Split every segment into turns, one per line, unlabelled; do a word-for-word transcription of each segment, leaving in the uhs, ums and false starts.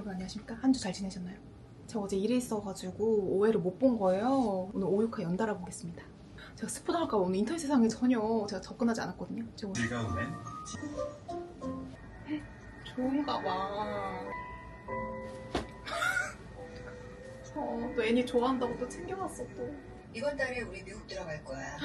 여러분 안녕하십니까? 한 주 잘 지내셨나요? 제가 어제 일이 있어가지고 오해를 못 본 거예요. 오늘 오육화 연달아 보겠습니다. 제가 스포 당할까 봐 오늘 인터넷 세상에 전혀 제가 접근하지 않았거든요. 제가 오늘
즐거움엔
좋은가 봐. 어, 또 애니 좋아한다고 또 챙겨왔어 또.
이번 달에 우리 미국 들어갈 거야.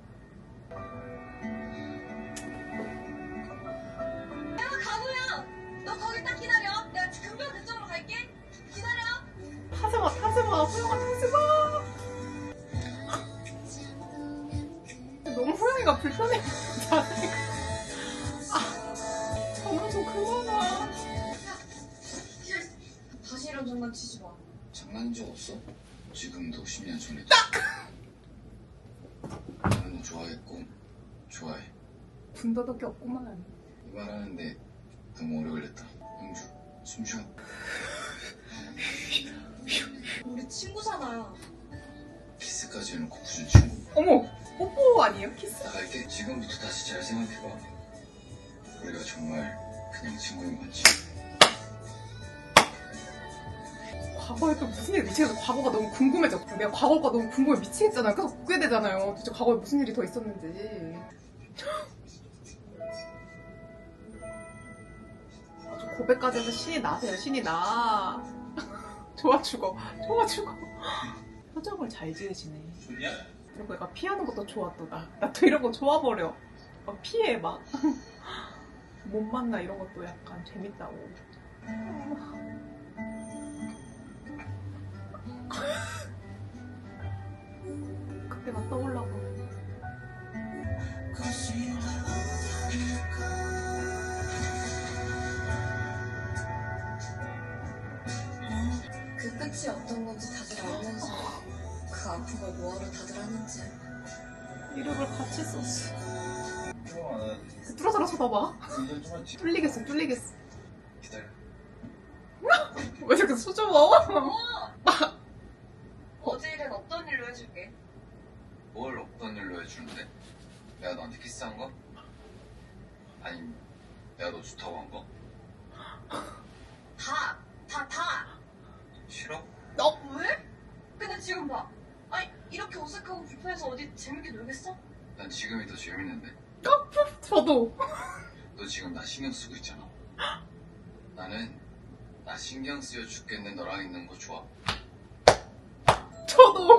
야, 가보야! 너 거기 딱 기다려. 내가 금방 그쪽으로 갈게. 기다려.
타지마, 타지마, 호영아 타지마. 너무 호영이가 불편해. 아, 장난 좀 그만 와.
다시 이런 장난치지 마.
장난인 적 없어? 지금도 십 년 전에도 나는 너 좋아했고 좋아해.
분더덕이 없구만.
이 말 하는데 너무 오래 걸렸다. 형주 숨 쉬어.
우리 친구잖아.
키스까지 해놓고 무슨 친구.
어머, 뽀뽀 아니에요? 키스?
나갈게. 지금부터 다시 잘 생각해봐. 우리가 정말 그냥 친구인 건지.
과거에 또 무슨 일이 미치겠어. 과거가 너무 궁금해져. 내가 과거가 너무 궁금해 미치겠잖아요. 계속 보게 되잖아요. 도대체 과거에 무슨 일이 더 있었는지. 아주 고백까지 해서 신이 나세요. 신이 나. 좋아 죽어. 좋아 죽어. 표정을 잘 지으시네.
좋냐?
이런 거 약간 피하는 것도 좋아 또 나. 나 또 이런 거 좋아버려. 막 피해 막. 못 만나 이런 것도 약간 재밌다고. 그때가 떠올라고.
그 끝이 어떤 건지 다들 알면서 그 아픈 걸 뭐하러 다들 하는지.
이름을 같이 썼어.
형아,
뚫어져라 쳐다봐.
운전 좀 하지.
뚫리겠어 뚫리겠어.
기다려.
왜 이렇게 수줍어?
어제 일은 어떤 일로 해줄게?
뭘 어떤 일로 해주는데? 내가 너한테 키스한 거? 아니 내가 너 좋다고 한 거?
다! 다, 다!
싫어?
너
왜? 근데 지금 봐. 아니, 이렇게 어색하고 불편해서 어디 재밌게 놀겠어?
난 지금이 더 재밌는데.
저도.
너 지금 나 신경 쓰고 있잖아. 나는 나 신경 쓰여 죽겠는 너랑 있는 거 좋아.
저도.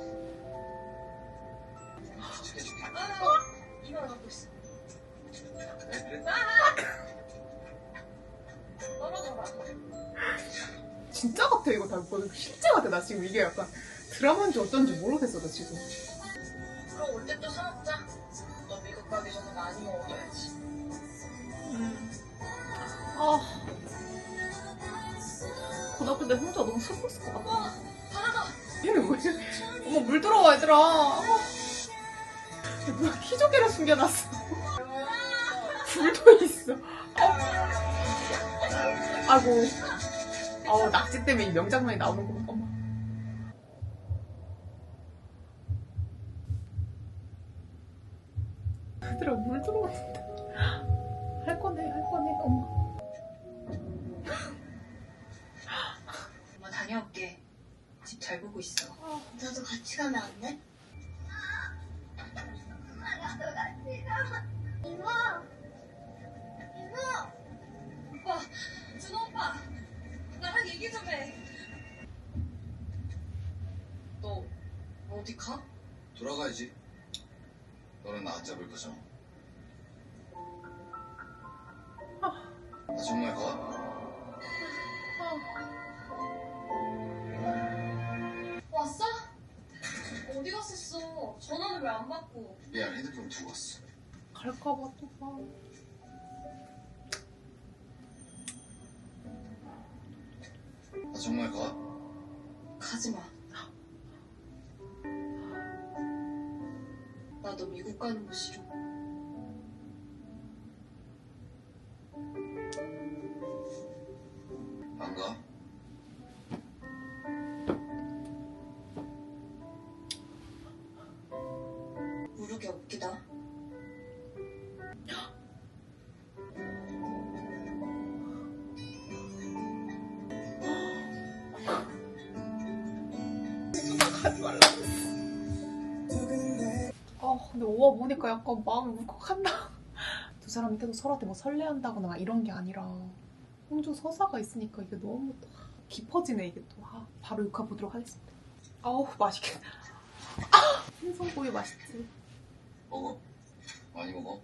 해줄게.
아, 이만 갖고 있어.
그래?
떨어져라.
진짜 같아 이거 다 보는 실제 같아. 나 지금 이게 약간 드라마인지 어쩐지 모르겠어 나 지금.
그럼 올 때 또 사먹자. 너 미국 가기 전에 많이 먹어둬야지.
음. 아. 고등학교 때 혼자 너무 슬펐을 것 같아.
와, 바다다.
얘는 왜? 어머 물 들어와 얘들아. 어. 누가 키조개를 숨겨놨어. 불도 있어. 어. 아이고. 어 낙지 때문에 이 명장면이 나오는 거 봐. 얘들아 물 들어왔는데. 할 거네 할 거네 엄마.
엄마 다녀올게. 집 잘 보고 있어.
나도 같이 가면 안 돼? 나도 같이 가. 이모! 이모!
오빠, 준호 오빠. 나랑 얘기 좀 해. 너 어디 가?
돌아가야지. 너는 나 안 잡을 거잖아. 나 정말 가?
왔어? 어디 갔었어? 전화는 왜 안 받고?
미안, 핸드폰 두고 왔어.
갈까봐 또 봐.
나 정말 가?
가지 마. 나도 미국 가는 거 싫어.
안 가?
모르게 웃기다.
근데 오아 보니까 약간 마음이 울컥한다. 두 사람이 계속 서로한테 뭐 설레한다거나 막 이런 게 아니라 홍주 서사가 있으니까 이게 너무 또 깊어지네 이게 또. 아, 바로 육화 보도록 하겠습니다. 아우 맛있겠다. 아, 생선구이 맛있지.
먹어. 많이 먹어.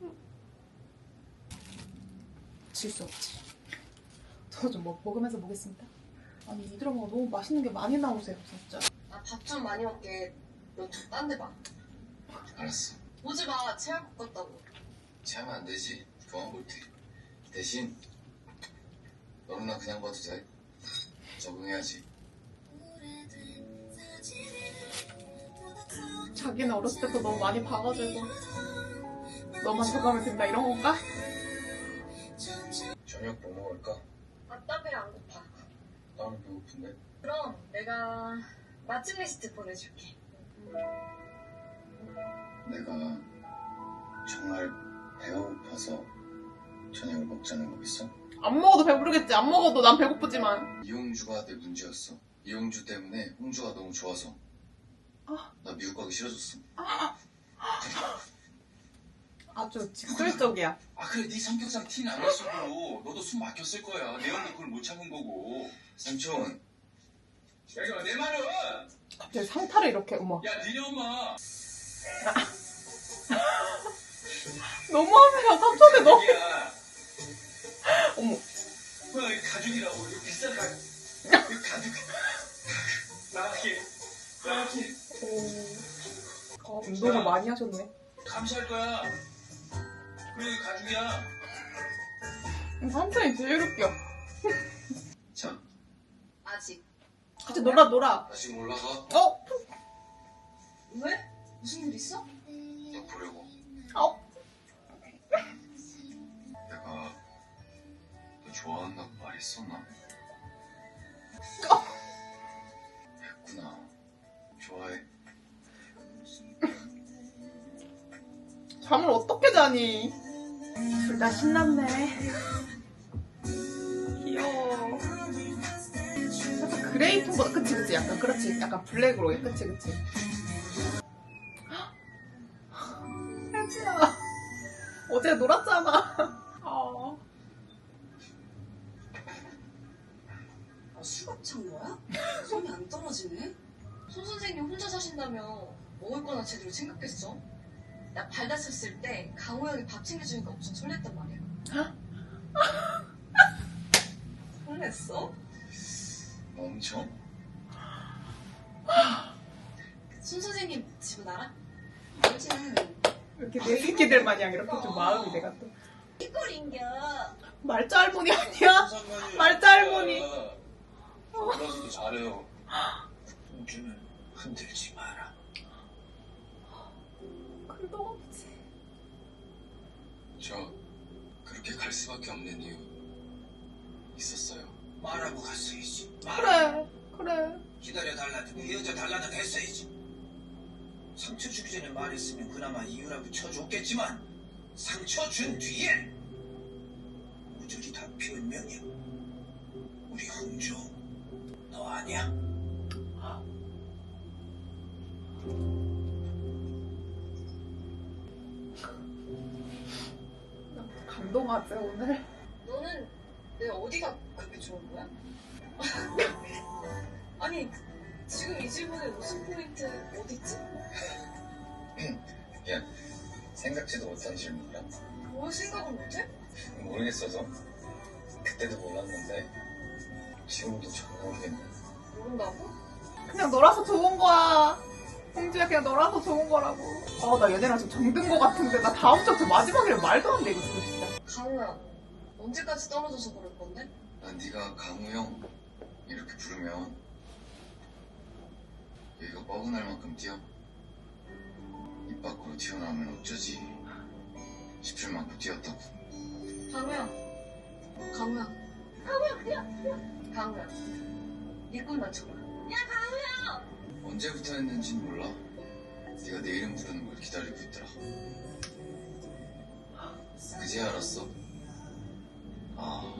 질 수 없지. 저도 좀 먹, 먹으면서 보겠습니다. 아니 이 드라마가 너무 맛있는 게 많이 나오세요 진짜.
나 밥 좀 많이 먹게. 너 좀 딴 데 봐.
알았어.
오지 마. 체할 것 같다고.
체하면 안 되지. 그만 볼게. 대신 너는 나 그냥 봐도 돼. 적응해야지.
자기는 어렸을 때부터 너무 많이 봐가지고 너만 적응하면 된다 이런 건가?
저녁 뭐 먹을까?
아, 나 배 안 고파.
나는 배고픈데.
그럼 내가 맛집 리스트 보내줄게.
내가 정말 배가 고파서 저녁을 먹자는 거겠어?
안 먹어도 배부르겠지. 안 먹어도 난 배고프지만.
이용주가 내 문제였어. 이용주 때문에 홍주가 너무 좋아서
아.
나 미국 가기 싫어졌어.
아주 직설적이야.
아 그래 네 성격상 티는 안 났어도 너도 숨 막혔을 거야. 내 형도 그걸 못 참은 거고. 삼촌 여기 내 말은
갑자기 상타를 이렇게 어머.
야 니네 엄마
너무하네요. 삼촌이 너무.
여기야.
어머.
뭐 이거 가죽이라고 이거 비싼 가죽 이거 가죽 나갈게 나갈게
어, 운동을 많이 하셨네.
감시할 거야. 그래 이거 가죽이야.
삼촌이 제일 웃겨.
자
아직.
같이 놀아 놀아.
나 지금 올라가.
어?
왜? 무슨 일 있어?
너 보려고.
어?
내가 너 좋아한다고 말했었나?
어?
했구나. 좋아해.
잠을 어떻게 자니? 둘 다 신났네. 귀여워. 살짝 그레이 톤보다 그치 그치 약간 그렇지 약간 블랙으로 해 그치 그치. 혜지야 어제 놀았잖아. 어.
아, 수갑 찬 거야? 손이 안 떨어지네? 손 선생님 혼자 사신다며 먹을 거나 제대로 챙겼겠어? 나 발 다쳤을 때 강호 형이 밥 챙겨주니까 엄청 설렜단 말이야. 설렜어?
엄청?
손 선생님 집은 알아? 알지는.
이렇게 내 새끼들 마냥 이렇게 좀 마음이 내가 또
이꼴인겨.
말자 할머니 아니야? 말자 할머니.
몰라서도 잘해요. 홍주는 흔들지 마라.
그래도 아버지.
저 그렇게 갈 수밖에 없는 이유 있었어요.
말하고 갔어야지.
그래 그래.
기다려달라든 헤어져 달라든 했어야지. 상처 주기 전에 말했으면 그나마 이유라고 쳐줬겠지만 상처 준 뒤에 모조리 다 변명이야. 우리 홍주 너 아니야?
감동하지 오늘.
너는 내 어디가 그렇게 좋은 거야? 아니 지금 이 질문의 웃음 포인트 어딨지?
야 생각지도 못한 질문이라.
뭘 생각을 못해?
모르겠어서 그때도 몰랐는데 지금도 전혀 모르겠네.
모른다고?
그냥 놀아서 좋은 거야. 홍주야 그냥 놀아서 좋은 거라고. 아 나 얘네랑 좀 정든 거 같은데 나 다음 주부터 마지막이라 말도 안 돼 이거 진짜.
강우야 언제까지 떨어져서 그럴 건데?
난 네가 강우 형 이렇게 부르면 여기가 뻐근할 만큼 뛰어. 입 밖으로 튀어나오면 어쩌지 싶을 만큼 뛰었다고.
강우야 강우야 강우야 뛰어 뛰어 강우야 네 꿈만 쳐봐. 야 강우야.
언제부터 했는진 몰라. 네가 내 이름 부르는 걸 기다리고 있더라. 그제 알았어. 아,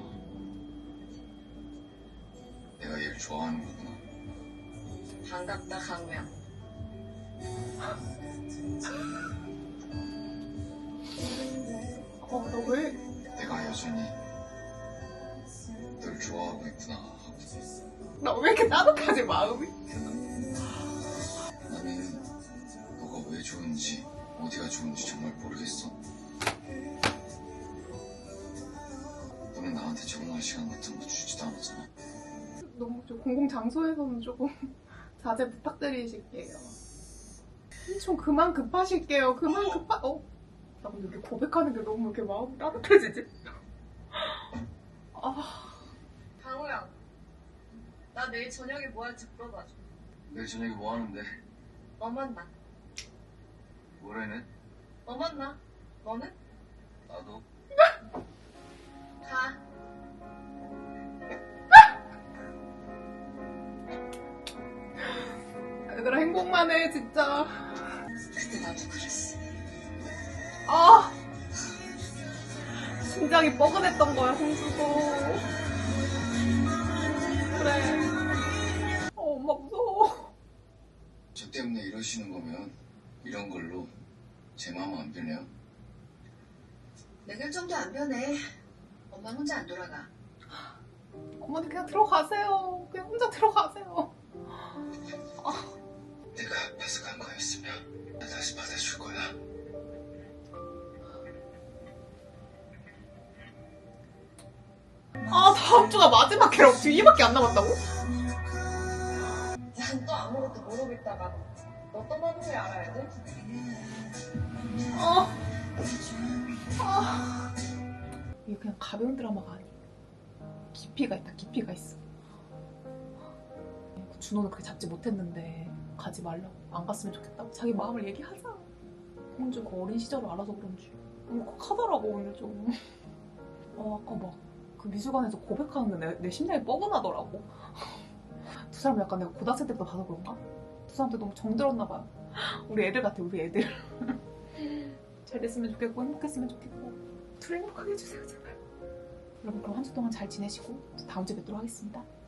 내가 얘를 좋아하는 거구나.
반갑다 강우야.
어, 너 왜?
내가 여전히 널 좋아하고 있구나 하고.
나 왜 이렇게 따뜻하지, 마음이?
나는 너가 왜 좋은지 어디가 좋은지 정말 모르겠어. 너는 나한테 적응할 시간 같은 거 주지도 않았잖아.
너무 좀 공공장소에서는 조금 자제 부탁드리실게요. 좀 그만 급하실게요. 그만 급하... 어? 나 근데 이렇게 고백하는 게 너무 이렇게 마음이 따뜻해지지? 아...
강호야, 나 내일 저녁에 뭐 할지 물어봐줘.
내일 저녁에 뭐 하는데?
너 만나.
모레는?
너 만나. 너는?
나도.
가.
얘들아 행복만 해 진짜.
그때 나도 그랬어.
아 심장이 뻐근했던 거야 홍수도. 그래. 어 엄마 무서워.
저 때문에 이러시는 거면 이런 걸로 제 마음 안 변해요.
내 결정도 안 변해. 엄마 혼자 안 돌아가.
어머니 그냥 들어가세요. 그냥 혼자 들어가세요.
내가 아파서 간 거였으면 나 다시 받아줄 거야.
아 다음 주가 마지막 캐럿 지금 이밖에 안 남았다고?
난 또 아무것도 모르고 있다가 너 떠나는 걸 알아야 돼?
아, 아. 이게 그냥 가벼운 드라마가 아니야. 깊이가 있다. 깊이가 있어. 준호는 그렇게 잡지 못했는데 가지 말라고. 안 갔으면 좋겠다고. 자기 마음을 얘기하자. 홍주가 어린 시절을 알아서 그런지 울컥하더라고 오늘 좀. 어 아까 막 그 미술관에서 고백하는데 내, 내 심장이 뻐근하더라고. 두 사람 약간 내가 고등학생 때부터 봐서 그런가? 두 사람한테 너무 정들었나 봐요. 우리 애들 같아 우리 애들. 잘 됐으면 좋겠고 행복했으면 좋겠고 둘 행복하게 해주세요 제발. 여러분 그럼 한 주 동안 잘 지내시고 다음 주에 뵙도록 하겠습니다.